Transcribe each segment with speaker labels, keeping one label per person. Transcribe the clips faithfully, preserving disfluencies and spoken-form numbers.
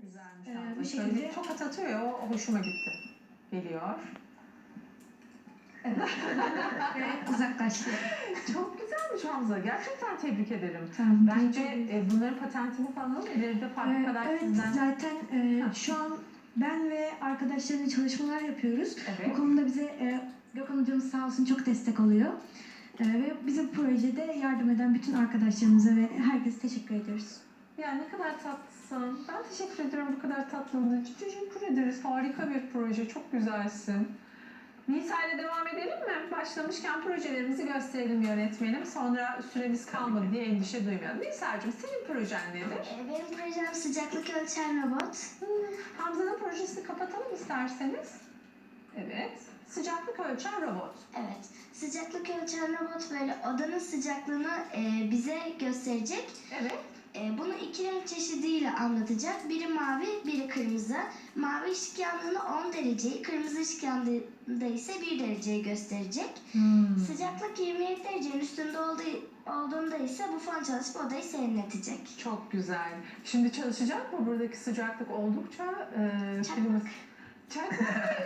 Speaker 1: Güzelmiş.
Speaker 2: Ee,
Speaker 1: bu
Speaker 2: bu
Speaker 1: şöyle
Speaker 2: şekilde-
Speaker 1: bir tokat atıyor ya, o hoşuma gitti. Geliyor.
Speaker 2: Evet. Ve uzaklaştı.
Speaker 1: Çok güzelmiş Hamza. Gerçekten tebrik ederim.
Speaker 2: Tamam.
Speaker 1: Bence
Speaker 2: teşekkür ederim.
Speaker 1: e, bunların patentini falan ileride
Speaker 2: Ee,
Speaker 1: fabrikalar
Speaker 2: evet,
Speaker 1: sizden...
Speaker 2: zaten e,
Speaker 1: Ha.
Speaker 2: şu an ben ve arkadaşlarımla çalışmalar yapıyoruz.
Speaker 1: Evet.
Speaker 2: Bu konuda bize e, Gökhan hocamız sağ olsun çok destek oluyor. E, ve bize bu projede yardım eden bütün arkadaşlarımıza ve herkese teşekkür ediyoruz.
Speaker 1: Ya ne kadar tatlısın. Ben teşekkür ederim bu kadar tatlılığın için. Teşekkür ederiz. Harika bir proje. Çok güzelsin. Nisa ile devam edelim mi? Başlamışken projelerimizi gösterelim yönetmenim. Sonra süremiz kalmadı diye endişe duymayalım. Nisa'cığım senin projen nedir?
Speaker 3: Ee, Benim projem sıcaklık ölçen robot.
Speaker 1: Hmm, Hamza'nın projesini kapatalım isterseniz. Evet. Sıcaklık ölçen robot.
Speaker 3: Evet, sıcaklık ölçen robot böyle odanın sıcaklığını e, bize gösterecek.
Speaker 1: Evet.
Speaker 3: E, bunu iki renk çeşidiyle anlatacak. Biri mavi, biri kırmızı. Mavi ışık yandığında on dereceyi, kırmızı ışık yandığında ise bir dereceyi gösterecek.
Speaker 1: Hmm.
Speaker 3: Sıcaklık yirmi yedi derecenin üstünde olduğu, olduğunda ise bu fan çalışıp odayı serinletecek.
Speaker 1: Çok güzel. Şimdi çalışacak mı? Buradaki sıcaklık oldukça e,
Speaker 3: Çakmak.
Speaker 1: filimiz... Çakmak.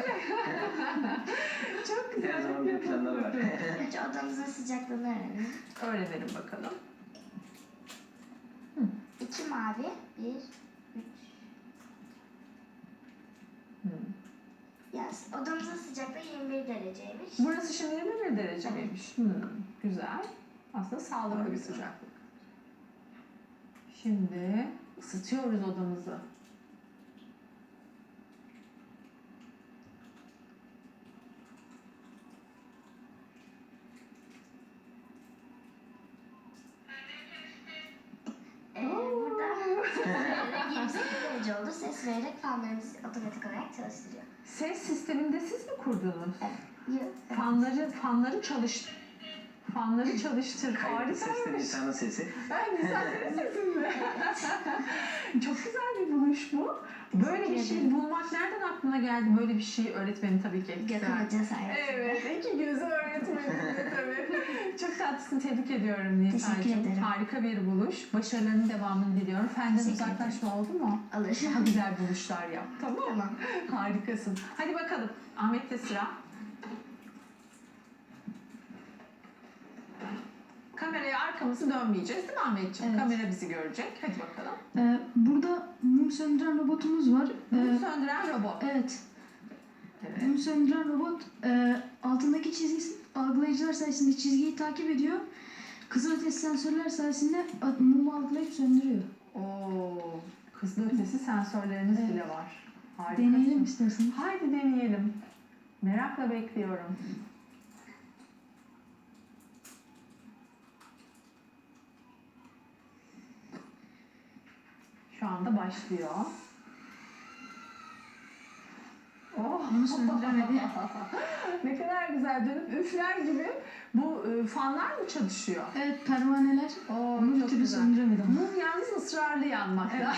Speaker 1: Çok güzel.
Speaker 4: Her zaman bir planlar var.
Speaker 3: Önce odamızın sıcaklığını öğrenelim.
Speaker 1: Öğrenelim bakalım.
Speaker 3: İki mavi, bir, üç.
Speaker 1: Hmm.
Speaker 3: Yani odamızın sıcaklığı yirmi bir dereceymiş.
Speaker 1: Burası şimdi yirmi bir derece miymiş? Hmm, güzel. Aslında sağlıklı bir sıcaklık. Şimdi ısıtıyoruz odamızı.
Speaker 3: Ee, burada ses vererek yirmi sekiz derece oldu. Ses vererek fanlarımızı otomatik olarak çalıştırıyor.
Speaker 1: Ses sisteminde siz mi kurdunuz?
Speaker 3: Evet. Evet.
Speaker 1: Fanları, fanları çalıştır. Fanları çalıştır.
Speaker 4: Kayıtlı sesle
Speaker 1: Harikaymış.
Speaker 4: Nisa'nın sesi.
Speaker 1: Ben güzel senin sesin mi? Çok güzel bir buluş bu. Böyle bir şey bulmak nereden aklına geldi? Böyle bir şey öğretmenin tabii ki.
Speaker 3: Gökhan Hoca sayesinde.
Speaker 1: Evet, iki gözü öğretmeninde tabii. Çok tatlısın, tebrik ediyorum Nisa'cığım.
Speaker 3: Teşekkür ederim.
Speaker 1: Harika bir buluş. Başarılarının devamını diliyorum. Fenden
Speaker 3: Teşekkür
Speaker 1: uzaklaşma oldu mu?
Speaker 3: Alır.
Speaker 1: Daha güzel buluşlar yap. Tamam mı?
Speaker 3: Tamam.
Speaker 1: Harikasın. Hadi bakalım. Ahmet'te sıra. Kameraya arkamızı dönmeyeceğiz değil mi Ahmetciğim?
Speaker 2: Evet.
Speaker 1: Kamera bizi görecek. Hadi bakalım.
Speaker 2: Ee, burada mum söndüren robotumuz var.
Speaker 1: Mum
Speaker 2: Ee,
Speaker 1: söndüren robot.
Speaker 2: evet.
Speaker 1: Evet.
Speaker 2: Mum söndüren robot e, altındaki çizgi algılayıcılar sayesinde çizgiyi takip ediyor. Kızılötesi sensörler sayesinde a- mumu algılayıp söndürüyor.
Speaker 1: Oo, kızılötesi sensörleriniz
Speaker 2: Evet.
Speaker 1: bile var. Harikasın.
Speaker 2: Deneyelim isterseniz.
Speaker 1: Haydi deneyelim. Merakla bekliyorum. Şu anda başlıyor. Oh.
Speaker 2: Onu söndüremedi.
Speaker 1: Ne kadar güzel dönüp üfler gibi. Bu e, fanlar mı çalışıyor?
Speaker 2: Evet, pervaneler.
Speaker 1: Oo,
Speaker 2: Onu bir
Speaker 1: çok
Speaker 2: türlü
Speaker 1: güzel.
Speaker 2: söndüremedi ama.
Speaker 1: Mum yalnız ısrarlı yanmakta.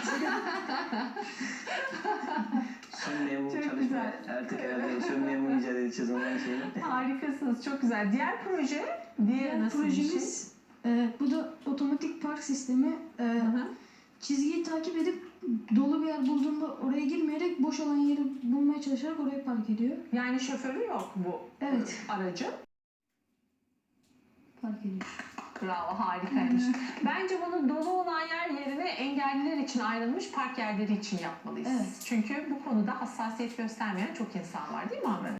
Speaker 4: Sönmeyen mum
Speaker 1: Çok
Speaker 4: çalışma.
Speaker 1: güzel.
Speaker 4: Artık herhalde sönmeyen mum icat edeceğiz ondan sonra.
Speaker 1: Harikasınız, çok güzel. Diğer proje, diğer
Speaker 2: Diğer
Speaker 1: nasıl bir şey?
Speaker 2: projemiz e, bu da otomatik park sistemi. E,
Speaker 1: Hı hı.
Speaker 2: çizgiyi takip edip dolu bir yer bulduğunda oraya girmeyerek boş olan yeri bulmaya çalışarak oraya park ediyor.
Speaker 1: Yani şoförü yok bu
Speaker 2: Evet.
Speaker 1: e, aracın.
Speaker 2: Park ediyor.
Speaker 1: Bravo, harikaymış. Bence bunu dolu olan yer yerine engelliler için ayrılmış park yerleri için yapmalıyız.
Speaker 2: Evet.
Speaker 1: Çünkü bu konuda hassasiyet göstermeyen çok insan var değil mi Ahmet?